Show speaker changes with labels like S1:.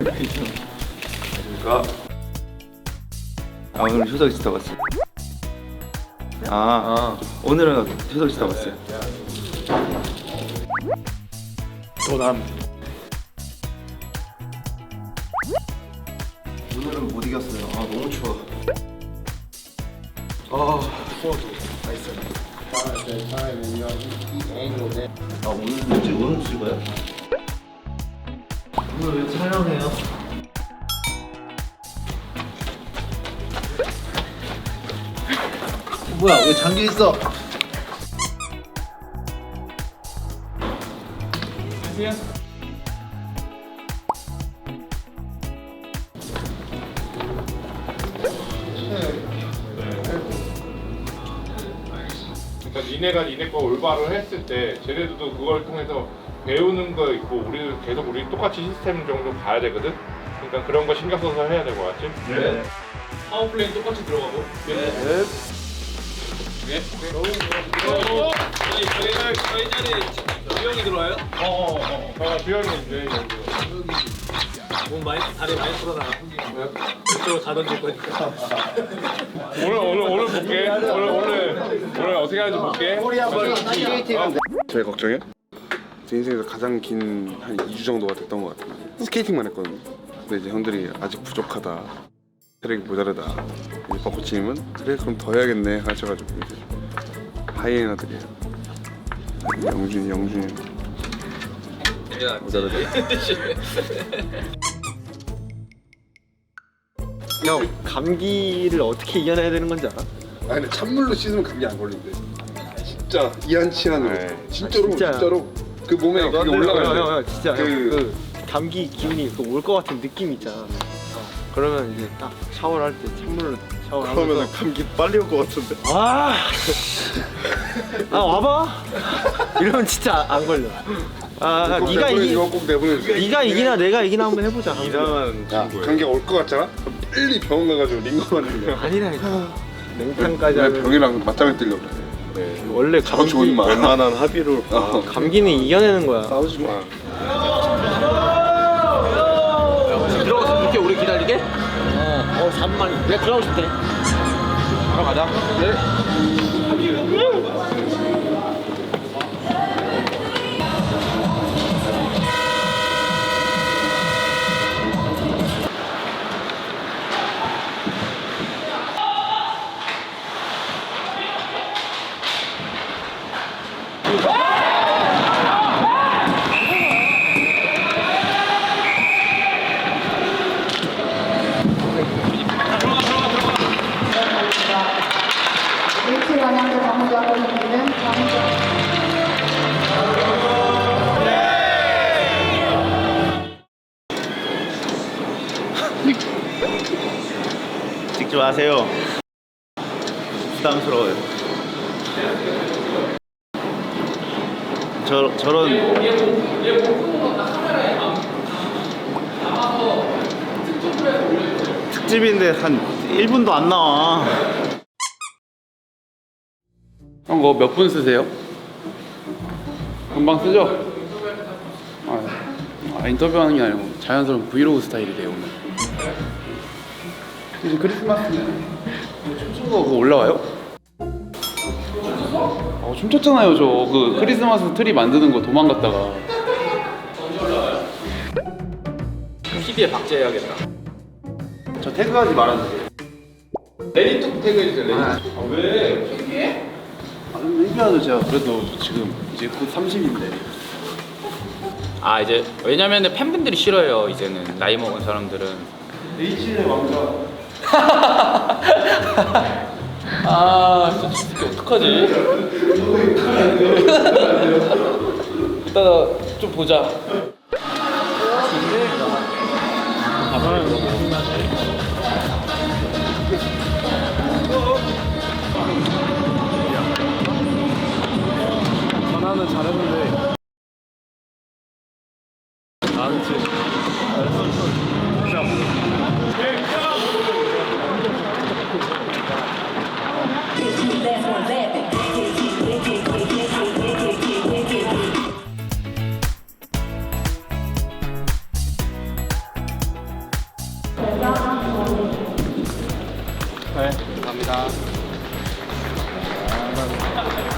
S1: 안녕하십니까. 오늘 효석 씨 타봤어요. 오늘은 효석 씨 타봤어요.
S2: 난
S1: 오늘은 못 이겼어요. 너무 추워.
S2: 추워도 맛있어요.
S1: 오늘은 이제 오늘 찍어요? 오늘 왜 촬영해요? 뭐야, 왜 잠겨 있어?
S3: 그러니까 니네가 니네 거 올바로 했을 때 쟤네들도 그걸 통해서 배우는 거 있고 우리는 계속 우리 똑같이 시스템 정도 가야 되거든. 그러니까 그런 거 신경 써서 해야 될 것 같지?
S1: 네.
S3: 파워플레이 똑같이 들어가고.
S1: 네.
S4: 저희 자리에 주영이 들어와요?
S3: 주영이 이제
S4: 몸 많이 다리 많이 풀어놔. 이쪽으로 다 던질 거니까.
S3: 오늘 볼게. 오늘 어떻게 하는지 볼게.
S2: 제일 걱정이요? 제 인생에서 가장 긴 한 2주 정도가 됐던 것 같아요. 스케이팅만 했거든요. 근데 이제 형들이 아직 부족하다, 체력이 모자르다. 이제 벚꽃님은 그래 그럼 더 해야겠네 하셔가지고 이제 하이에나들이에요. 영준이 모자르다.
S5: 형 감기를 어떻게 이겨내야 되는 건지 알아?
S2: 근데 찬물로 씻으면 감기 안 걸린대. 진짜 이한치한으로.
S3: 네.
S2: 진짜로 그 몸에 그게 올라가요.
S5: 진짜 그 감기 기운이 올 것 같은 느낌 있잖아. 그러면 이제 딱 샤워를 할 때 찬물로 샤워를 하면서
S2: 그러면 감기 빨리 올 것 같은데.
S5: 와봐. 이러면 진짜 안 걸려. 네가
S2: 이거 꼭 내보내주세요.
S5: 네가 이기나 내가 이기나 한번 해보자.
S2: 이상한 감기가 올 것 같잖아? 빨리 병원 가가지고 링거 맞는 거야.
S5: 아니라니까. 냉탕까지
S2: 왜
S5: 하면
S2: 병이랑 맞짱을 뜨려고 그래.
S5: 원래
S2: 서로 좋은 말.
S1: 웬만한 합의로
S5: 감기는 이겨내는 거야.
S2: 싸우지 마.
S4: 들어가서 이렇게 오래 기다리게? 4분만. 내가 들어가고 싶대.
S1: 들어가자.
S6: 일치 방향으로 정지하고 있는 정지.
S1: 찍지 마세요. 부담스러워요. 저런 특집인데 한 1분도 안 나와.
S7: 형 그거 몇 분 쓰세요? 금방 쓰죠? 인터뷰하는 게 아니고 자연스러운 브이로그 스타일이래요 오늘. 이제 크리스마스는 춤춘 거 그거 올라와요? 춤췄잖아요 저 그 크리스마스 트리 만드는 거 도망갔다가.
S4: PD에 박제해야겠다.
S1: 저 태그하지 말았는데.
S3: 레디톡 태그해주세요. 왜?
S1: 얘기하죠 제가.
S7: 그래도 지금 이제 곧 30인데.
S4: 이제 왜냐면은 팬분들이 싫어요. 이제는 나이 먹은 사람들은.
S1: H의 왕자.
S4: 진짜 진짜 어떡하지? 이따가 좀 보자.
S5: 전화는 잘했는데
S1: 감사합니다.